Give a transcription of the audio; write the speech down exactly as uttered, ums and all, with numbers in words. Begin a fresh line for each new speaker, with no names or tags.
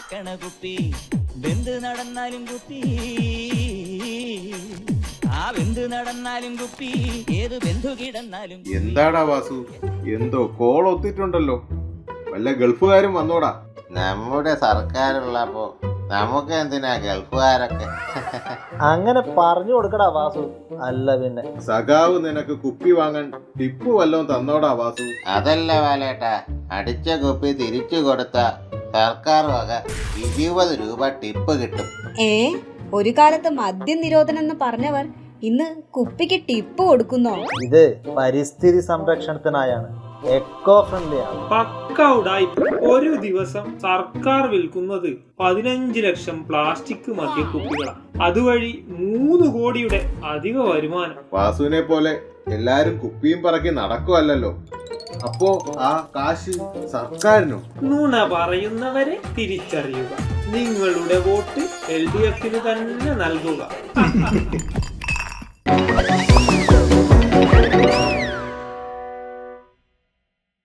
പറക്കണ കുപ്പി വെന്ത് നടന്നാലും കുപ്പി ആ വെന്ത് നടന്നാലും കുപ്പി ഏത് ബന്ധു കിടന്നാലും.
എന്താടാ വാസു, എന്തോ കോൾ ഒത്തിട്ടുണ്ടല്ലോ, വല്ല ഗൾഫുകാരും വന്നോടാ?
നമ്മുടെ സർക്കാരുള്ളപ്പോ നമുക്ക് എന്തിനാ ഗൾഫുകാരൊക്കെ?
അങ്ങനെ പറഞ്ഞു കൊടുക്കടാ വാസു. അല്ല പിന്നെ
സഖാവ് നിനക്ക് കുപ്പി വാങ്ങാൻ ടിപ്പ് വല്ലതും തന്നോടാ വാസു?
അതല്ല വാലേട്ടാ, അടിച്ച കുപ്പി തിരിച്ചു കൊടുത്ത സർക്കാർ വക ഇരുപത് രൂപ ടിപ്പ് കിട്ടും.
ഏ ഒരു കാലത്ത് മദ്യ നിരോധനം എന്ന് പറഞ്ഞവർ ഇന്ന് കുപ്പിക്ക് ടിപ്പ് കൊടുക്കുന്നോ?
ഇത് പരിസ്ഥിതി സംരക്ഷണത്തിനായാണ്, എക്കോ ഫ്രണ്ട്ലി ആണ്.
പക്ക ഉടായിപ്പ്. ഒരു ദിവസം സർക്കാർ വിൽക്കുന്നത് പതിനഞ്ച് ലക്ഷം പ്ലാസ്റ്റിക് മദ്യക്കുപ്പികളാണ്. അതുവഴി മൂന്ന് കോടിയുടെ അധിക വരുമാനം.
വാസുവിനെ പോലെ എല്ലാരും കുപ്പിയും പറക്കി നടക്കുവല്ലോ, അപ്പോ ആ കാശ് സർക്കാരിനോ?
നുണ പറയുന്നവരെ തിരിച്ചറിയുക. നിങ്ങളുടെ വോട്ട് എൽ ഡി എഫിന് തന്നെ നൽകുക.